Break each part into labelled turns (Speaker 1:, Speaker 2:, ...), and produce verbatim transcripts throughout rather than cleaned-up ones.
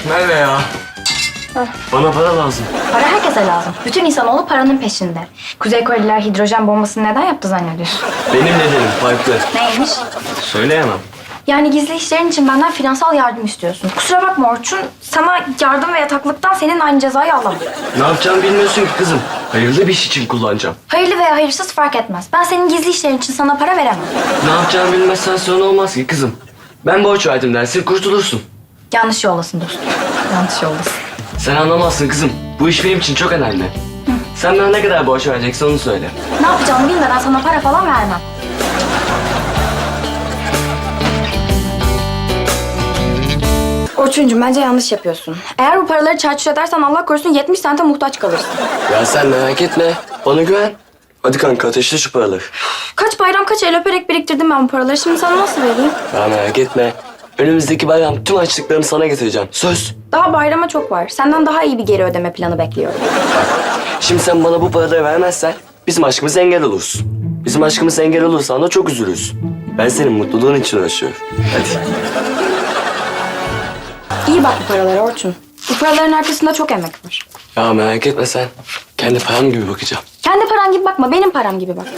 Speaker 1: Merve ya.
Speaker 2: Heh.
Speaker 1: Bana para lazım.
Speaker 2: Para herkese lazım. Bütün insanoğlu paranın peşinde. Kuzey Koreliler hidrojen bombasını neden yaptı zannediyorsun?
Speaker 1: Benim nedenim farklı.
Speaker 2: Neymiş?
Speaker 1: Söyleyemem.
Speaker 2: Yani gizli işlerin için benden finansal yardım istiyorsun. Kusura bakma Orçun, sana yardım ve yataklıktan senin aynı cezayı alamam.
Speaker 1: Ne yapacağımı bilmiyorsun ki kızım. Hayırlı bir iş için kullanacağım.
Speaker 2: Hayırlı veya hayırsız fark etmez. Ben senin gizli işlerin için sana para veremem.
Speaker 1: Ne yapacağımı bilmezsen sonra olmaz ki kızım. Ben borç verdim dersin kurtulursun.
Speaker 2: Yanlış yoldasın dostum. Yanlış yoldasın.
Speaker 1: Sen anlamazsın kızım. Bu iş benim için çok önemli. Sen bana ne kadar borç vereceksin onu söyle.
Speaker 2: Ne yapacağımı bilmeden sana para falan vermem. Orçuncuğum bence yanlış yapıyorsun. Eğer bu paraları çarçur edersen Allah korusun yetmiş sente muhtaç kalırsın.
Speaker 1: Ya sen merak etme. Bana güven. Hadi kanka ateşle şu paraları.
Speaker 2: Kaç bayram kaç el öperek biriktirdim ben bu paraları. Şimdi sana nasıl vereyim?
Speaker 1: Ya merak etme. Önümüzdeki bayram tüm açlıklarımı sana getireceğim. Söz.
Speaker 2: Daha bayrama çok var. Senden daha iyi bir geri ödeme planı bekliyorum.
Speaker 1: Şimdi sen bana bu paraları vermezsen bizim aşkımız engel olursun. Bizim aşkımız engel olursan da çok üzülürsün. Ben senin mutluluğun için uğraşıyorum. Hadi.
Speaker 2: İyi bak bu paralara Orçun. Bu paraların arkasında çok emek var.
Speaker 1: Ya merak etme sen. Kendi param gibi bakacağım.
Speaker 2: Kendi paran gibi bakma, benim param gibi bak.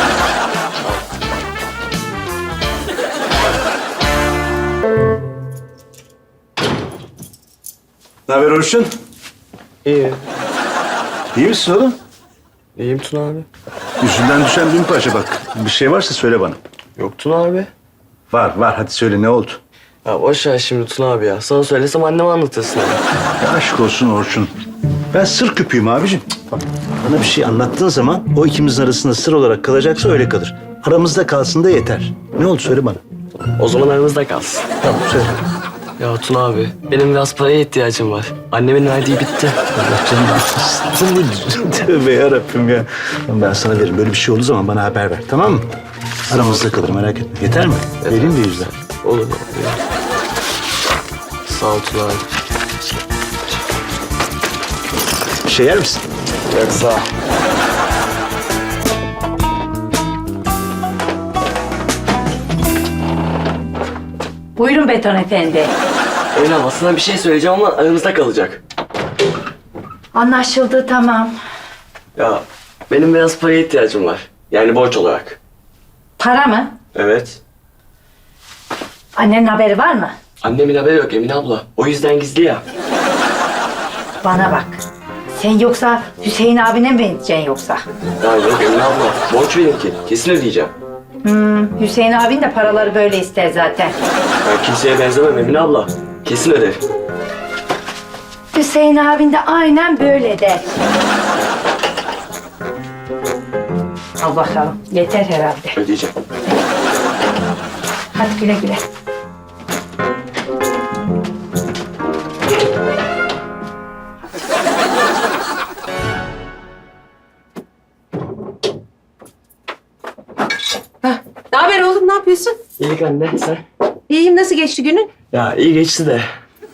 Speaker 3: Ne haber Orçun?
Speaker 1: İyi.
Speaker 3: İyi misin oğlum?
Speaker 1: İyiyim Tuna abi.
Speaker 3: Yüzünden düşen bin parça bak. Bir şey varsa söyle bana.
Speaker 1: Yok Tuna abi.
Speaker 3: Var var hadi söyle ne oldu?
Speaker 1: Ya boş ver şimdi Tuna abi ya. Sana söylesem anneme anlatırsın abi.
Speaker 3: Ya aşk olsun Orçun. Ben sır küpüyüm abicim. Bak bana bir şey anlattığın zaman o ikimizin arasında sır olarak kalacaksa öyle kalır. Aramızda kalsın da yeter. Ne oldu söyle bana.
Speaker 1: O zaman aramızda kalsın.
Speaker 3: Tamam söyle.
Speaker 1: Ya Tuna abi, benim biraz paraya ihtiyacım var. Annemin verdiği bitti.
Speaker 3: Allah canım. Tövbe yarabbim ya. Ben sana veririm. Böyle bir şey olduğu zaman bana haber ver tamam mı? Aramızda kalır merak etme. Yeter mi? Vereyim de yüzden.
Speaker 1: Olur abi. Sağ ol Tuna abi.
Speaker 3: Bir şey yer misin?
Speaker 1: Yok sağ ol.
Speaker 4: Buyurun Beton Efendi.
Speaker 1: Öyle ama sana bir şey söyleyeceğim ama aramızda kalacak.
Speaker 4: Anlaşıldı, tamam.
Speaker 1: Ya benim biraz paraya ihtiyacım var. Yani borç olarak.
Speaker 4: Para mı?
Speaker 1: Evet.
Speaker 4: Annenin haberi var mı?
Speaker 1: Annemin haberi yok Emine abla. O yüzden gizli ya.
Speaker 4: Bana bak. Sen yoksa Hüseyin abine mi benzeteceksin yoksa?
Speaker 1: Ya yok Emine abla. Borç benimki. Kesin ödeyeceğim.
Speaker 4: Hmm, Hüseyin abin de paraları böyle ister zaten.
Speaker 1: Ben kimseye benzemem Emine abla. Kesin öderim.
Speaker 4: Hüseyin abin de aynen böyle der. Al bakalım. Yeter herhalde.
Speaker 1: Ödeyeceğim.
Speaker 4: Hadi güle güle.
Speaker 5: Ne haber oğlum, ne yapıyorsun?
Speaker 1: İyilik anne sen.
Speaker 5: İyiyim, nasıl geçti günün?
Speaker 1: Ya iyi geçti de.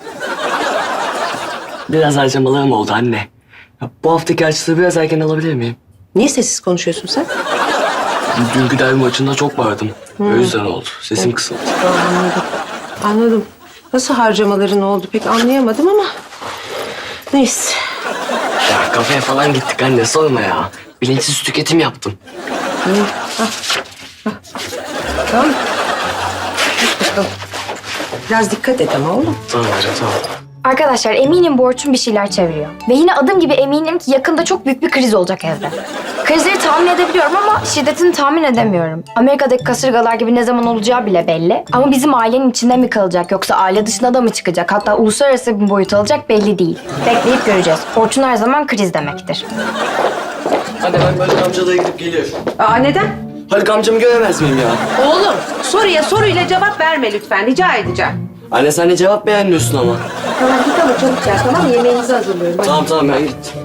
Speaker 1: Biraz harcamalarım oldu anne. Ya, bu haftaki harçlığı biraz erken alabilir miyim?
Speaker 5: Niye sessiz konuşuyorsun sen?
Speaker 1: Dünkü derbi maçında çok bağırdım. O yüzden oldu. Sesim kısıldı.
Speaker 5: Anladım. Anladım. Nasıl harcamaların oldu pek anlayamadım ama... Neyse.
Speaker 1: Ya kafeye falan gittik anne sorma ya. Bilinçsiz tüketim yaptım.
Speaker 5: İyi. Ah, ah. Tamam. Hadi bakalım. Biraz dikkat et ama oğlum.
Speaker 1: Tamam anne tamam.
Speaker 2: Arkadaşlar eminim bu Orçun bir şeyler çeviriyor. Ve yine adım gibi eminim ki yakında çok büyük bir kriz olacak evde. Krizleri tahmin edebiliyorum ama şiddetini tahmin edemiyorum. Amerika'daki kasırgalar gibi ne zaman olacağı bile belli. Ama bizim ailenin içinde mi kalacak yoksa aile dışına da mı çıkacak? Hatta uluslararası bir boyut alacak belli değil. Bekleyip göreceğiz. Orçun her zaman kriz demektir.
Speaker 1: Anne ben böyle amcalara gidip geliyorum.
Speaker 5: Aa, neden?
Speaker 1: Haluk amcamı göremez miyim ya?
Speaker 5: Oğlum, soruya soruyla cevap verme lütfen, rica edeceğim.
Speaker 1: Anne sen de cevap beğenmiyorsun ama.
Speaker 5: Tamam, git ama çabuk gel, tamam mı? Yemeğinizi hazırlıyorum. Hadi.
Speaker 1: Tamam tamam ben gittim.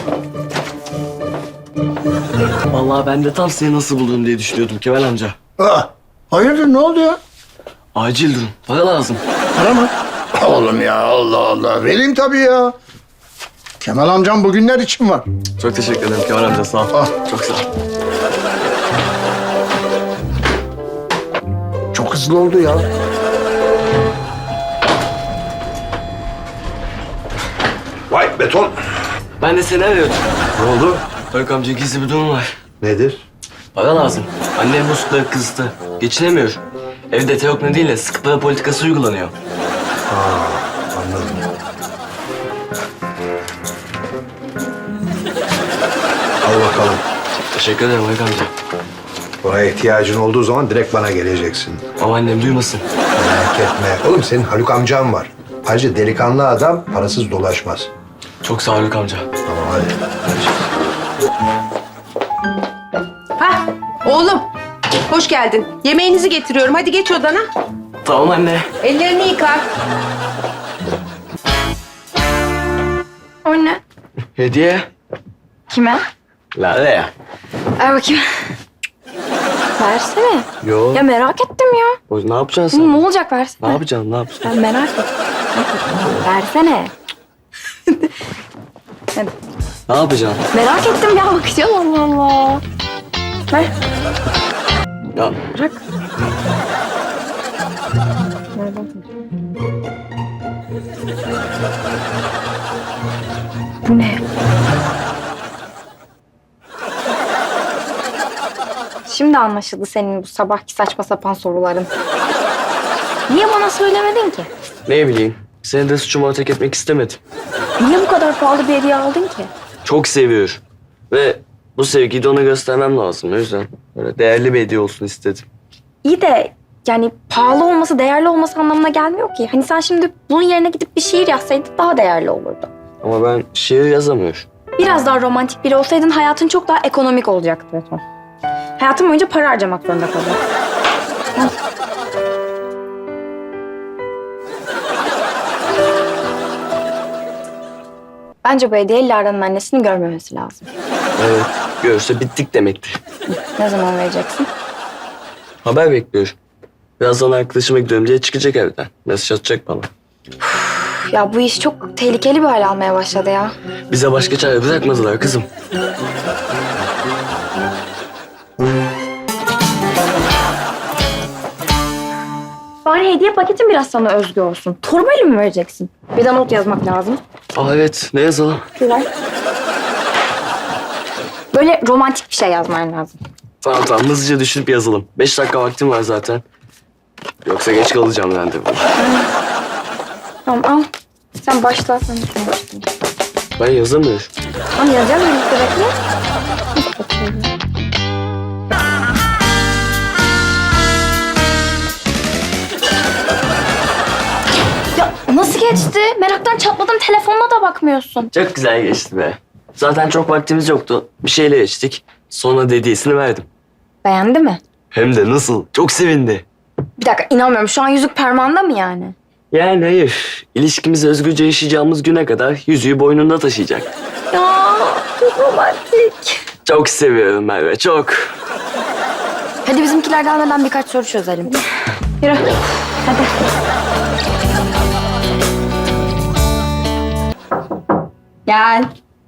Speaker 1: Vallahi ben de tam seni nasıl buldum diye düşünüyordum Kemal amca.
Speaker 6: Aa, hayırdır ne oldu ya?
Speaker 1: Acil durum. Para lazım.
Speaker 6: Para mı? Oğlum ya Allah Allah. Vereyim tabii ya. Kemal amcam bugünler için var.
Speaker 1: Çok teşekkür ederim Kemal amca sağ ol.
Speaker 6: Ah.
Speaker 1: Çok sağ ol.
Speaker 6: Çok hızlı oldu ya.
Speaker 3: Beton.
Speaker 1: Ben de seni arıyordum.
Speaker 3: Ne oldu?
Speaker 1: Haluk amca gizli bir durum var.
Speaker 3: Nedir?
Speaker 1: Para lazım. Annem muslukları kızdı. Geçinemiyor. Evde teok nedeniyle sıkı para politikası uygulanıyor.
Speaker 3: Anladım. Al bakalım.
Speaker 1: Teşekkür ederim Haluk amca.
Speaker 7: Buna ihtiyacın olduğu zaman direkt bana geleceksin.
Speaker 1: Ama annem duymasın.
Speaker 7: Merak etme. Oğlum senin Haluk amcan var. Ayrıca delikanlı adam parasız dolaşmaz.
Speaker 1: Çok sağ ol Haluk amca.
Speaker 7: Tamam hadi.
Speaker 5: Hah oğlum hoş geldin. Yemeğinizi getiriyorum. Hadi geç odana.
Speaker 1: Tamam anne.
Speaker 5: Ellerini yıka.
Speaker 2: O ne?
Speaker 1: Hediye.
Speaker 2: Kime?
Speaker 1: Lale ya.
Speaker 2: Ver bakayım. Versene.
Speaker 1: Yo.
Speaker 2: Ya merak ettim ya.
Speaker 1: O, ne yapacaksın
Speaker 2: Hı,
Speaker 1: sen?
Speaker 2: ne olacak versene.
Speaker 1: Ne yapacaksın? Ne yapacaksın?
Speaker 2: Ben merak ettim. Versene. Hadi.
Speaker 1: Ne yapacaksın?
Speaker 2: Merak ettim ya bakacağım Allah Allah. Ver.
Speaker 1: Ya
Speaker 2: Bırak. Bu ne? Şimdi anlaşıldı senin bu sabahki saçma sapan soruların. Niye bana söylemedin ki?
Speaker 1: ne bileyim. Seni de suçuma ortak etmek istemedim.
Speaker 2: Niye bu kadar pahalı bir hediye aldın ki?
Speaker 1: Çok seviyor. Ve bu sevgiyi de ona göstermem lazım. O yüzden böyle değerli bir hediye olsun istedim.
Speaker 2: İyi de yani pahalı olması, değerli olması anlamına gelmiyor ki. Hani sen şimdi bunun yerine gidip bir şiir yazsaydın daha değerli olurdu.
Speaker 1: Ama ben şiir yazamıyorum.
Speaker 2: Biraz daha romantik biri olsaydın hayatın çok daha ekonomik olacaktı Beton. Hayatın boyunca para harcamak zorunda kalacak. Bence bu hediye Lara'nın annesinin görmemesi lazım.
Speaker 1: Evet. Görürse bittik demektir.
Speaker 2: Ne zaman vereceksin?
Speaker 1: Haber bekliyorum. Birazdan arkadaşıma gidiyorum diye çıkacak evden. Mesaj atacak bana.
Speaker 2: Ya bu iş çok tehlikeli bir hal almaya başladı ya.
Speaker 1: Bize başka çare bırakmadılar kızım.
Speaker 2: Bari hediye paketin biraz sana özgü olsun. Torbayla mı vereceksin? Bir de not yazmak lazım.
Speaker 1: Aa evet. Ne yazalım?
Speaker 2: Şuraya. Böyle romantik bir şey yazman lazım.
Speaker 1: Tamam tamam. Hızlıca düşünüp yazalım. Beş dakika vaktim var zaten. Yoksa geç kalacağım randevu.
Speaker 2: Tamam al. Sen başla. Sen şuna başla.
Speaker 1: Ben yazamıyorum.
Speaker 2: Tamam yazacağım birlikte bekle. Ya nasıl geçti? Meraktan çatladım. Telefonuna da bakmıyorsun.
Speaker 1: Çok güzel geçti be. Zaten çok vaktimiz yoktu. Bir şeyle geçtik. Sonra hediyesini verdim.
Speaker 2: Beğendi mi?
Speaker 1: Hem de nasıl? Çok sevindi.
Speaker 2: Bir dakika inanmıyorum. Şu an yüzük parmağında mı yani?
Speaker 1: Yani hayır. İlişkimizi özgürce yaşayacağımız güne kadar yüzüğü boynunda taşıyacak.
Speaker 2: Ya çok romantik.
Speaker 1: Çok seviyorum Merve, çok.
Speaker 2: Hadi bizimkiler gelmeden birkaç soru çözelim. Yürü. Hadi. Gel.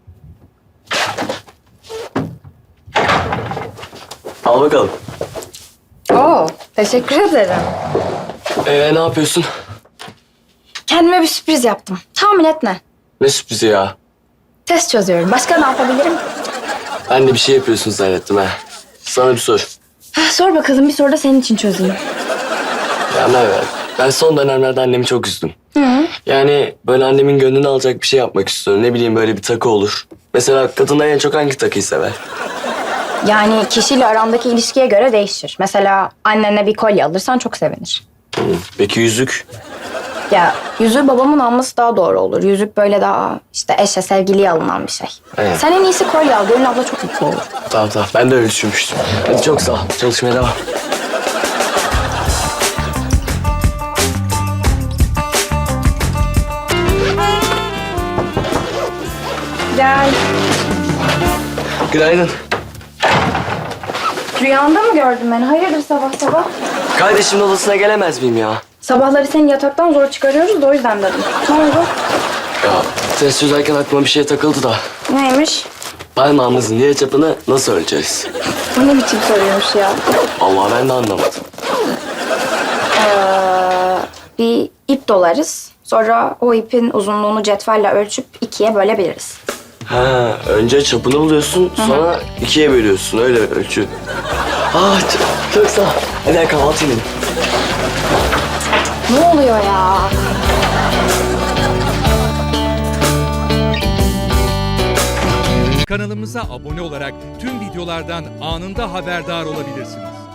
Speaker 1: Al bakalım.
Speaker 2: Oo, teşekkür ederim.
Speaker 1: Ee, ne yapıyorsun?
Speaker 2: Kendime bir sürpriz yaptım. Tahmin et ne?
Speaker 1: Ne sürprizi ya?
Speaker 2: Test çözüyorum. Başka ne yapabilirim?
Speaker 1: Ben de bir şey yapıyorsun zannettim ha. Sana bir sor.
Speaker 2: Heh, sor bakalım bir soru da senin için çözeyim.
Speaker 1: Ya Merve, ben son dönemlerde annemi çok üzdüm.
Speaker 2: Hı.
Speaker 1: Yani böyle annemin gönlünü alacak bir şey yapmak istiyorum. Ne bileyim böyle bir takı olur. Mesela kadınlar en çok hangi takıyı sever?
Speaker 2: Yani kişiyle arandaki ilişkiye göre değişir. Mesela annene bir kolye alırsan çok sevinir.
Speaker 1: Hı, Peki yüzük?
Speaker 2: Ya yüzüğü babamın alması daha doğru olur. Yüzük böyle daha işte eşe, sevgiliye alınan bir şey.
Speaker 1: Evet.
Speaker 2: Sen en iyisi kolye al. Gönül abla çok mutlu olur.
Speaker 1: Tamam tamam, ben de öyle düşünmüştüm. Hadi çok sağ ol. Çalışmaya devam.
Speaker 2: Gel.
Speaker 1: Günaydın.
Speaker 2: Rüyanda mı gördün beni? Hayırdır sabah sabah?
Speaker 1: Kardeşimin odasına gelemez miyim ya?
Speaker 2: Sabahları seni yataktan zor çıkarıyoruz da o yüzden dedim. Ne oldu?
Speaker 1: Ya test çözerken aklıma bir şey takıldı da.
Speaker 2: Neymiş?
Speaker 1: Parmağımızın diğer çapını nasıl ölçeriz?
Speaker 2: Bu ne biçim soruyormuş ya?
Speaker 1: Allah ben de anlamadım.
Speaker 2: Ee, bir ip ip dolarız. Sonra o ipin uzunluğunu cetvelle ölçüp ikiye bölebiliriz.
Speaker 1: Ha, önce çapını buluyorsun, sonra ikiye bölüyorsun. Öyle ölçü. Ah, çok, çok sağ ol. Hadi gel kahvaltı edelim.
Speaker 2: Ne oluyor ya?
Speaker 8: Kanalımıza abone olarak tüm videolardan anında haberdar olabilirsiniz.